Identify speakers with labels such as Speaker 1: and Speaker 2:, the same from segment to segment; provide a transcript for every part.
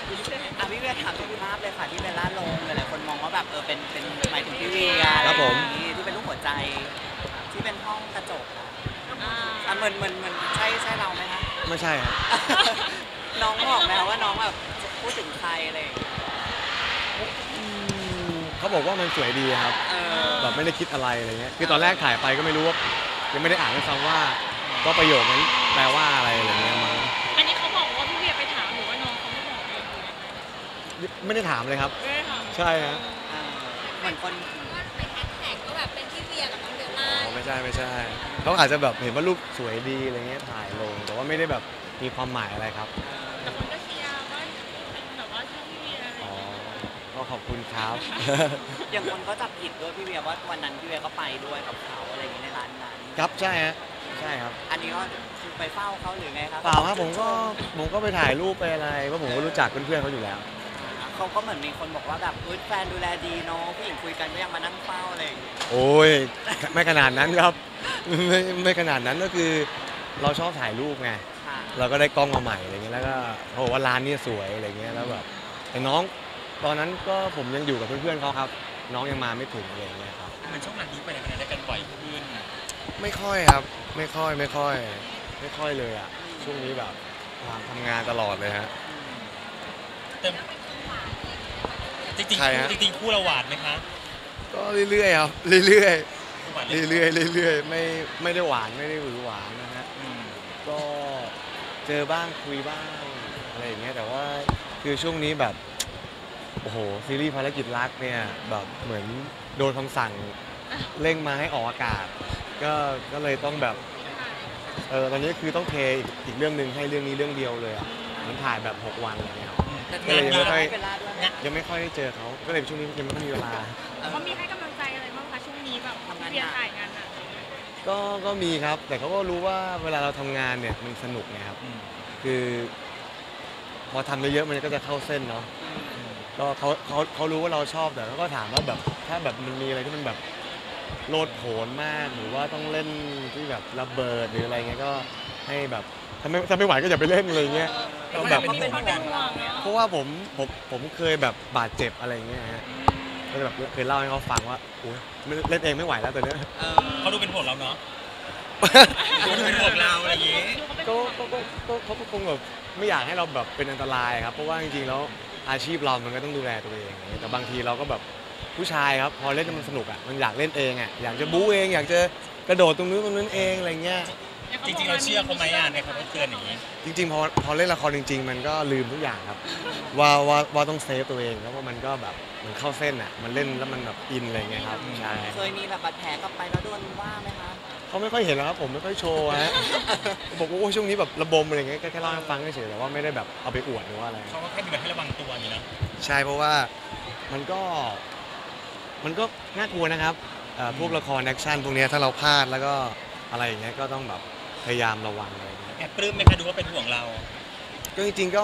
Speaker 1: พี่เวียถามถึงภาพเลยค่ะที่เบลล่าลงหลายๆคนมองว่าแบบเป็นหมายถึงพี่เวีย
Speaker 2: ครับผม
Speaker 1: ที่เป็นรูปหัวใจที่เป็นห้องกระจกเหมือนใช่เราไหมคะ
Speaker 2: ไม่ใช่ครับ
Speaker 1: น้องบอกไหมว่าน้องแบบพูดถึงใครอะไร
Speaker 2: เขาบอกว่ามันสวยดีครับแบบไม่ได้คิดอะไรอะไรเงี้ยคือตอนแรกถ่ายไปก็ไม่รู้ว่ายังไม่ได้อ่านด้วยซ้ำว่าก็ประโยคนั้นแปลว่าอะไรอะไรเงี้ยมั้ง
Speaker 3: อันนี้เขาบอกว่าพี่เวียไปถามหรือว่าน้องเขาไม่บอกเอง
Speaker 2: ไม่ได้ถามเลยครับใช่ฮะ
Speaker 1: เหมือนคน
Speaker 3: ว่าไปแฮชแท็กก็แบบเป็นพี่เวียกับน้องเบลล่า
Speaker 2: ไม่ใช่เขาอาจจะแบบเห็นว่ารูปสวยดีอะไรเงี้ยถ่ายลงแต่ว่าไม่ได้แบบมีความหมายอะไรครับ
Speaker 3: แต่คนก็เชียร์ว่าเป็นแบบว่าช่องพี่เวีย
Speaker 2: ก็ขอบคุณครับ
Speaker 1: อย่างคนก็จับผิดด้วยพี่เวียว่าวันนั้นพี่เวียก็ไปด้วยกับเขาอะไรอย่างเงี้ยในร้านนั้น
Speaker 2: ครับใช่ฮะใช่ครับ
Speaker 1: อันนี้ก็คือไปเฝ้าเขาหรือไงครับ
Speaker 2: เปล่าครับผมก็ไปถ่ายรูปไปอะไรเพราะผมก็รู้จักเพื่อนๆเขาอยู่แล้ว
Speaker 1: เขาก็เหมือนมีคนบอกว่าแบบแฟนดูแลดีเนาะผู้หญิงคุยกันก็ยังมานั่งเฝ้าอะไร
Speaker 2: โอ้ยไม่ขนาดนั้นครับไม่ขนาดนั้นก็คือเราชอบถ่ายรูปไงเราก็ได้กล้องมาใหม่อะไรเงี้ยแล้วก็เขาบอกว่าร้านนี้สวยอะไรเงี้ยแล้วแบบแต่น้องตอนนั้นก็ผมยังอยู่กับเพื่อนๆเขาครับน้องยังมาไม่ถึงอะไรเงี้ยครับ
Speaker 4: มันช่วงนั้นนี้ไปไหนมาไหนได้กันบ่อยขึ้น
Speaker 2: ไม่ค่อยครับไม่ค่อยเลยอ่ะช่วงนี้แบบทำงานตลอดเลยฮะ
Speaker 4: จริงคู่เราหวานไหมคะ
Speaker 2: ก็เรื่อยๆครับเรื่อยๆไม่ได้หวานไม่ได้หวือหวานนะฮะก็เจอบ้างคุยบ้างอะไรอย่างเงี้ยแต่ว่าคือช่วงนี้แบบโอ้โหซีรีส์ภารกิจรักเนี่ยแบบเหมือนโดนคำสั่งเร่งมาให้ออกอากาศก็เลยต้องแบบตอนนี้คือต้องเทอีกเรื่องนึงให้เรื่องนี้เรื่องเดียวเลยอ่ะมันถ่ายแบบ6 วันอะไรเงี้ยก็เลยยังไม่ค่อยได้เจอเขาก็เลยช่วงนี้ยังไม่ค่อยมีเวลา
Speaker 3: เขามีให้กำลังใจอะไรบ้างคะช่วงนี้แบบเรียนถ่ายงานอ่ะ
Speaker 2: ก็มีครับแต่เขาก็รู้ว่าเวลาเราทำงานเนี่ยมันสนุกไงครับคือพอทำเยอะๆมันก็จะเข้าเส้นเนาะก็เขารู้ว่าเราชอบแต่เขาก็ถามว่าแบบถ้าแบบมันมีอะไรที่มันแบบโลดโผนมากหรือว่าต้องเล่นที่แบบระเบิดหรืออะไรเงี้ยก็ให้แบบถ้าไม่ไหวก็อย่าไปเล่นอะไรเงี้ยก็แบบเพราะว่าผมเคยแบบบาดเจ็บอะไรเงี้ยฮะก็แบบเคยเล่าให้เขาฟังว่าโอ้ยเล่นเองไม่ไหวแล้วตอนนี้
Speaker 4: เขาดูเป็นห่วงเราเนาะเขาดูเป็นห่วงเราอะไรอย่างงี้
Speaker 2: เขาคงแบบไม่อยากให้เราแบบเป็นอันตรายครับเพราะว่าจริงๆแล้วอาชีพเรามันก็ต้องดูแลตัวเองแต่บางทีเราก็แบบผู้ชายครับพอเล่นมันสนุกอ่ะมันอยากเล่นเองอ่ะอยากจะบู๊เองอยากจะกระโดดตรงนู้นตรงนั้นเองอะไรเงี้ย
Speaker 4: จริงๆเราเชื่อเขาไหมในคำเตือนอย่างนี้
Speaker 2: จริงๆพอเล่นละครจริงๆมันก็ลืมทุกอย่างครับว่าต้องเซฟตัวเองแล้วว่ามันก็แบบมันเข้าเส้นอ่ะมันเล่นแล้วมันแบบอินอะไรเงี้ยครับใช่
Speaker 1: เคยมีแบบบาดแผลกลับไปแล้วโดนว่าไหมคะ
Speaker 2: เขาไม่ค่อยเห็นแล้วครับผมไม่ค่อยโชว์ฮะบอกว่าช่วงนี้แบบระบมอะไรเงี้ยแค่เล่าให้ฟังเฉยๆแต่ว่าไม่ได้แบบเอาไปอวดหรือว่าอะไร
Speaker 4: เขาก็แค่มีแบบให้ระวังตัวนี่นะ
Speaker 2: ใช่เพราะว่ามันก็น่ากลัวนะครับพวกละครแอคชั่นพวกนี้ถ้าเราพลาดแล้วก็อะไรอย่างเงี้ยก็ต้องแบบพยายามระวังอะไร
Speaker 4: แอบปลื้มไหมคะดูว่าเป็นห่วงเรา
Speaker 2: ก็จริงๆ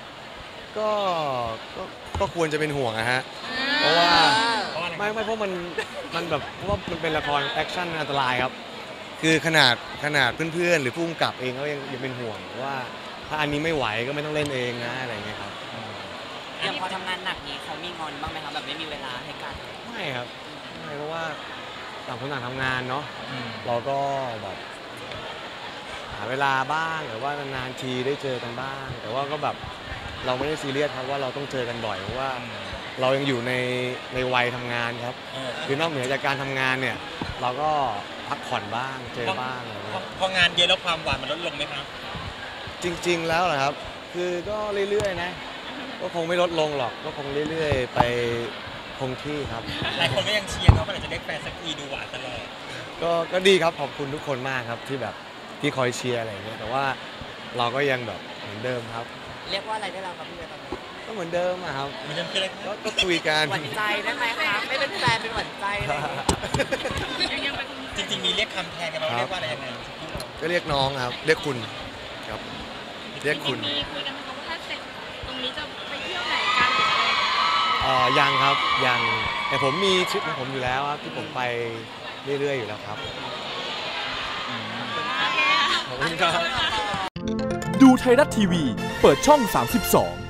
Speaker 2: ก็ควรจะเป็นห่วงนะฮะเพราะว่าไม่เพราะมันแบบเพราะว่ามันเป็นละครแอคชั่นอันตรายครับคือขนาดเพื่อนๆหรือผู้กำกับเองก็ยังเป็นห่วงว่าถ้าอันนี้ไม่ไหวก็ไม่ต้องเล่นเองนะอะไรเงี้ยครับ
Speaker 1: อย่างพอทำงานหนักนี้เขามีงอนบ้างไหมครับแบบไม่มีเวลาให้กัน
Speaker 2: ไม่ครับไม่เพราะว่าต่างคนต่างทำงานเนาะเราก็แบบหาเวลาบ้างหรือว่านานๆทีได้เจอกันบ้างแต่ว่าก็แบบเราไม่ได้ซีเรียสครับว่าเราต้องเจอกันบ่อยเพราะว่าเรายังอยู่ในวัยทำงานครับคือนอกเหนือจากการทำงานเนี่ยเราก็พักผ่อนบ้างเจอบ้าง
Speaker 4: พองานเยอะแล้วความหวานมันลดลงไหมครับ
Speaker 2: จริงๆแล้วเหรอครับคือก็เรื่อยๆนะก็คงไม่ลดลงหรอกก็คงเรื่อยๆไปคงที่ครับ
Speaker 4: หลายคนก็ยังเชียร์เขาว่าจะได้แฟนสักทีดูหวานตลอด
Speaker 2: ก็ดีครับขอบคุณทุกคนมากครับที่แบบที่คอยเชียร์อะไรอย่างเงี้ยแต่ว่าเราก็ยังแบบเหมือนเดิมครับ
Speaker 1: เรียกว่าอะไรได้แล้วครับพี่เวตอนนี้
Speaker 2: ก็เหมือนเดิมอะครับ
Speaker 4: เหมือนเดิมคืออะไร
Speaker 2: ก็คุยกัน
Speaker 1: หวั่นใจได้ไหมคะไม่เป็นแฟนเป็นหวั่นใจเลย
Speaker 4: จริงๆมีเรียกคำแทนกันเราเรียกว่าอะไรยังไง
Speaker 2: ก็เรียกน้องครับเรียกคุณครับเรียกคุณ
Speaker 3: มีคุยกันไหมคะว่าถ้าเสร็จตรงนี้จะไปเที่ยวไหนกันหรืออะไร
Speaker 2: ยังครับยังแต่ผมมีทริปของผมอยู่แล้วครับที่ผมไปเรื่อยๆอยู่แล้วครับ
Speaker 3: ขอบคุณครับ
Speaker 5: ดูไทยรัฐทีวีเปิดช่อง32